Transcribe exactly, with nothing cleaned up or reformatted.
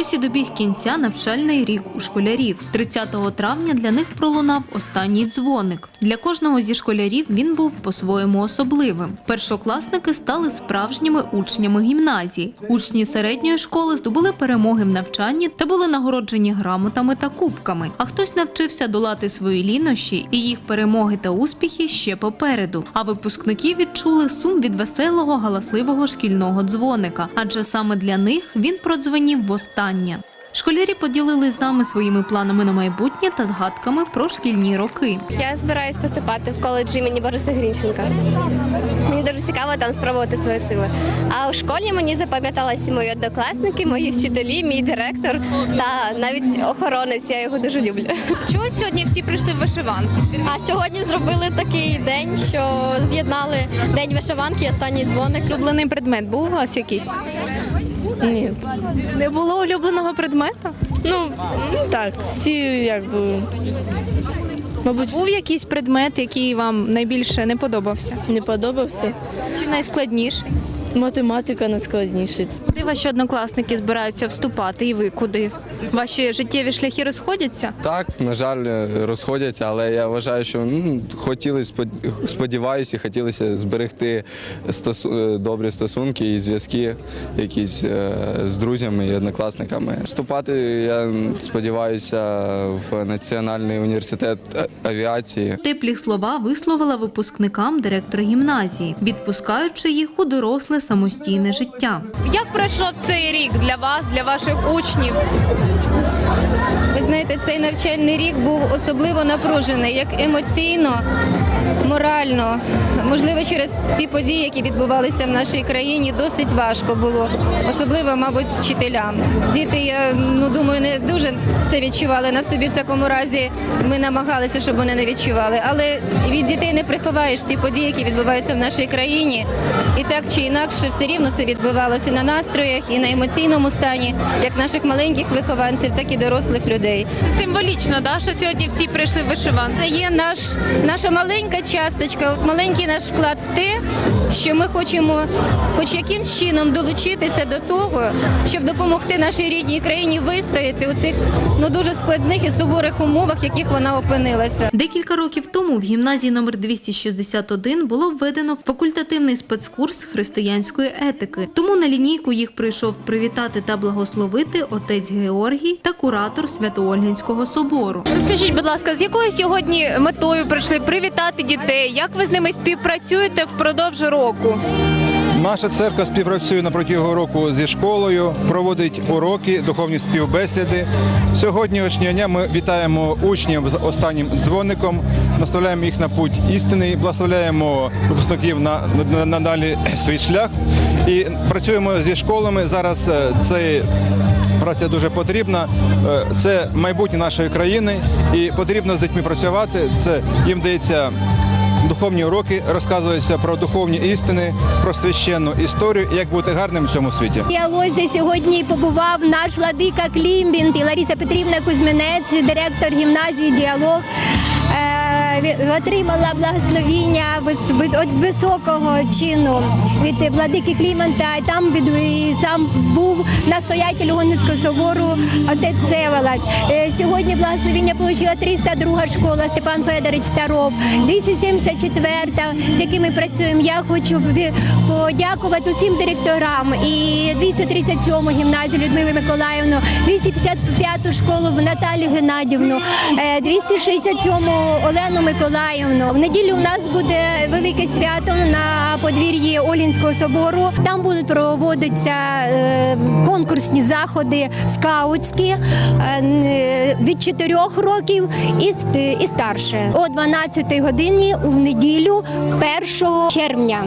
Ось і добіг кінця навчальний рік у школярів. тридцятого травня для них пролунав останній дзвоник. Для кожного зі школярів він був по-своєму особливим. Першокласники стали справжніми учнями гімназії. Учні середньої школи здобули перемоги в навчанні та були нагороджені грамотами та кубками. А хтось навчився долати свої лінощі, і їх перемоги та успіхи ще попереду. А випускники відчули сум від веселого, галасливого шкільного дзвоника. Адже саме для них він продзвенів востаннє. Школярі поділили з нами своїми планами на майбутнє та згадками про шкільні роки. Я збираюсь поступати в коледж імені Бориса Грінченка. Мені дуже цікаво там спробувати свої сили. А у школі мені запам'яталися мої однокласники, мої вчителі, мій директор та навіть охоронець. Я його дуже люблю. Чого сьогодні всі прийшли в вишиванку? А сьогодні зробили такий день, що з'єднали День вишиванки і останній дзвоник. Улюблений предмет був у вас якийсь? Ні, Не було улюбленого предмету? ну так, всі якби, мабуть, Був якийсь предмет, який вам найбільше не подобався? не подобався. Чи найскладніший? Математика найскладніша. Куди ваші однокласники збираються вступати і ви куди? Ваші життєві шляхи розходяться? Так, на жаль, розходяться, але я вважаю, що ну, хотіли, сподіваюся, хотілося зберегти стосу, добрі стосунки і зв'язки якісь е, з друзями і однокласниками. Вступати, я сподіваюся, в Національний університет авіації. Теплі слова висловила випускникам директор гімназії, відпускаючи їх у доросле самостійне життя. Як пройшов цей рік для вас, для ваших учнів? Ви знаєте, цей навчальний рік був особливо напружений, як емоційно, морально. Можливо, через ці події, які відбувалися в нашій країні, досить важко було, особливо, мабуть, вчителям. Діти, я ну, думаю, не дуже це відчували. На собі, в всякому разі, ми намагалися, щоб вони не відчували. Але від дітей не приховаєш ці події, які відбуваються в нашій країні. І так чи інакше, все рівно це відбувалося на настроях і на емоційному стані, як наших маленьких вихованців, так і дорослих людей. Символічно, да, що сьогодні всі прийшли в вишиванку? Це є наш, наша маленька часточка, от маленький наш вклад в те, що ми хочемо хоч якимсь чином долучитися до того, щоб допомогти нашій рідній країні вистояти у цих ну, дуже складних і суворих умовах, в яких вона опинилася. Декілька років тому в гімназії номер двісті шістдесят один було введено факультативний спецкурс християнської етики. Тому на лінійку їх прийшов привітати та благословити отець Георгій та куратор Свято-Ольгинського собору. Розкажіть, будь ласка, з якою сьогодні метою прийшли привітати дітей? Як ви з ними співпрацюєте впродовж року? Наша церква співпрацює на протягом року зі школою, проводить уроки, духовні співбесіди. Сьогоднішнього дня ми вітаємо учнів з останнім дзвоником, наставляємо їх на путь істини, благословляємо випускників на, на, на далі свій шлях і працюємо зі школами. Зараз це праця дуже потрібна, це майбутнє нашої країни і потрібно з дітьми працювати. Це їм дається духовні уроки, розказуються про духовні істини, про священну історію, як бути гарним в цьому світі. В діалозі сьогодні побував наш владика Клімбінт і Лариса Петрівна Кузьминець, директор гімназії «Діалог». Отримала благословіння від високого чину від владики Клімента, і там від, і сам був настоятель Ольгинського собору отець Всеволод. Сьогодні благословіння отримала триста друга школа Степан Федорович Второв, двісті сімдесят четверта, з якими працюємо. Я хочу подякувати усім директорам і двісті тридцять сьому гімназію Людмилу Миколаївну, двісті п'ятдесят п'яту школу Наталію Геннадівну, двісті шістдесят сьому Олену Миколаївну. В неділю у нас буде велике свято на подвір'ї Олінського собору. Там будуть проводитися конкурсні заходи скаутські від чотирьох років і старше. О дванадцятій годині у неділю першого червня.